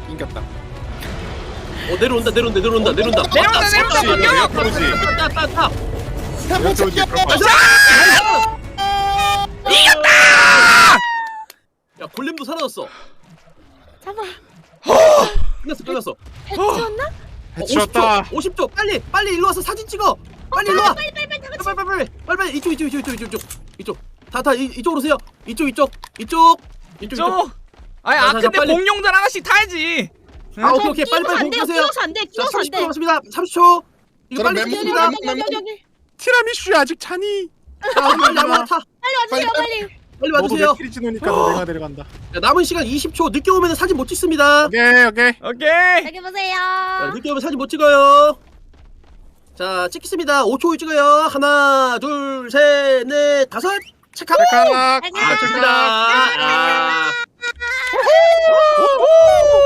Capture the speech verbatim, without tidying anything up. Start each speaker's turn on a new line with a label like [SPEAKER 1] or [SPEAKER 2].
[SPEAKER 1] 인겼다.
[SPEAKER 2] 어 내려온다 내려온다 내려온다 내려온다.
[SPEAKER 3] 내려온다, 내려온다,
[SPEAKER 1] 내려온다, 내려온다.
[SPEAKER 2] 따따따따.
[SPEAKER 1] 태풍 챙겨.
[SPEAKER 3] 이겼다!
[SPEAKER 2] 야 골렘도 사라졌어.
[SPEAKER 4] 잡아.
[SPEAKER 2] 끝났어 끝났어.
[SPEAKER 4] 해치웠나?
[SPEAKER 1] 해치웠다.
[SPEAKER 2] 오십 초 빨리 빨리 일로 와서 사진 찍어. 빨리 일로 와.
[SPEAKER 4] 빨리 빨리 빨리 빨리.
[SPEAKER 2] 빨리 빨리 빨리 빨리 빨리 이쪽 이쪽 이쪽 이쪽 이쪽 이쪽 다 다 이쪽으로 오세요. 이쪽 이쪽 이쪽 이쪽 이쪽.
[SPEAKER 3] 저 아니
[SPEAKER 2] 자,
[SPEAKER 3] 아
[SPEAKER 2] 자,
[SPEAKER 3] 근데
[SPEAKER 2] 빨리.
[SPEAKER 3] 공룡들 하나씩 타야지.
[SPEAKER 2] 아 오케이 오케이 빨리 빨리
[SPEAKER 4] 끼워서 안 돼요.
[SPEAKER 2] 공부하세요.
[SPEAKER 4] 끼워서 안 돼.
[SPEAKER 2] 자
[SPEAKER 4] 끼워서 안
[SPEAKER 2] 삼십 초
[SPEAKER 4] 돼.
[SPEAKER 2] 남았습니다. 삼십 초. 이거
[SPEAKER 1] 저는
[SPEAKER 2] 빨리
[SPEAKER 1] 멤버,
[SPEAKER 2] 찍습니다.
[SPEAKER 4] 여기 여기 여기 여기.
[SPEAKER 1] 티라미슈 아직 차니?
[SPEAKER 2] 자 빨리 아무나 타.
[SPEAKER 4] 빨리 와주세요 빨리.
[SPEAKER 2] 빨리
[SPEAKER 1] 너도
[SPEAKER 2] 와주세요.
[SPEAKER 1] 맥키리지 노니까 너 내가 데려간다.
[SPEAKER 2] 자, 남은 시간 이십 초. 늦게 오면 사진 못 찍습니다.
[SPEAKER 1] 오케이 오케이.
[SPEAKER 3] 오케이.
[SPEAKER 4] 여기 보세요.
[SPEAKER 2] 자, 늦게 오면 사진 못 찍어요. 자 찍겠습니다. 오 초 찍어요. 하나 둘 셋 넷 다섯 체크.
[SPEAKER 1] 찰칵.
[SPEAKER 2] 아 좋습니다. 아.